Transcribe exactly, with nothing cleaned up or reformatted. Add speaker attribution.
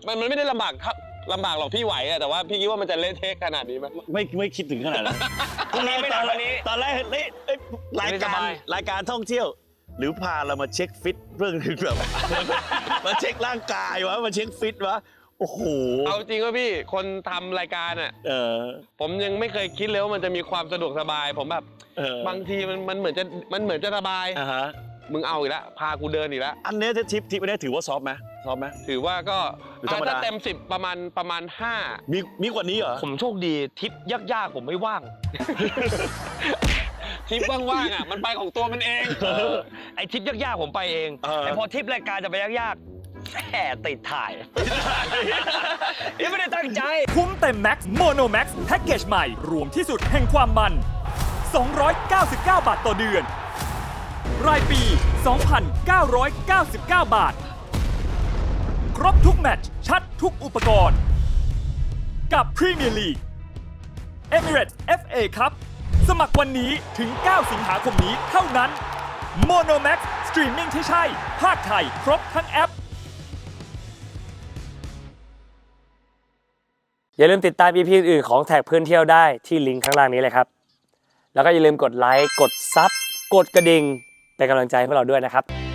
Speaker 1: มันมันไม่ได้ลำบากลำบากหรอกพี่ไหวอะแต่ว่าพี่คิดว่ามันจะเละเทะขนาดนี้ไหม
Speaker 2: ไม่ไม่คิดถึงขนาดนั้นตอนแรกตอนนี้ตอนแรกเฮ้ยรายการรายการท่องเที่ยวหรือพาเรามาเช็คฟิตเรื่องนึงแบบมาเช็คร่างกายวะมาเช็คฟิตวะโอ้โห
Speaker 1: เอาจริงว่าพี่คนทำรายการอ่ะเออผมยังไม่เคยคิดเลยว่ามันจะมีความสะดวกสบายผมแบบบางทีมันมันเหมือนจะมันเหมือนจะสบายอ่าฮะมึงเอาอีกแล้วพากูเดินอีกแล้ว
Speaker 2: อันนี้ทิปทิปอันนี้ถือว่าซอฟไหมซอฟไหม
Speaker 1: ถือว่าก็ถ้าเต็มสิบประมาณประมาณห้า
Speaker 2: มีมีกว่านี้เหรอ
Speaker 3: ผมโชคดีทิปยากๆผมไม่ว่าง
Speaker 1: ทริปว่างๆอ่ะมันไปของตัวมันเอง
Speaker 3: ไอ้ทริปยากๆผมไปเองแต่พอทริปรายการจะไปยากๆแหมติดถ่ายนี่ไม่ได้ตั้งใจ
Speaker 4: คุ้มเต็มแม็กซ์โมโนแม็กซ์แพ็กเกจใหม่รวมที่สุดแห่งความมันสองร้อยเก้าสิบเก้าบาทต่อเดือนรายปี สองพันเก้าร้อยเก้าสิบเก้า บาทครบทุกแมตช์ชัดทุกอุปกรณ์กับพรีเมียร์ลีก Emirates เอฟ เอ Cup สมัครวันนี้ถึง เก้า สิงหาคมนี้เท่านั้น Monomax สตรีมมิ่งที่ใช่ภาคไทยครบทั้งแอป
Speaker 3: อย่าลืมติดตาม อี พี อื่นๆของแท็กเพื่อนเที่ยวได้ที่ลิงก์ข้างล่างนี้เลยครับแล้วก็อย่าลืมกดไลค์กดซับกดกระดิ่งเป็นกำลังใจให้พวกเราด้วยนะครับ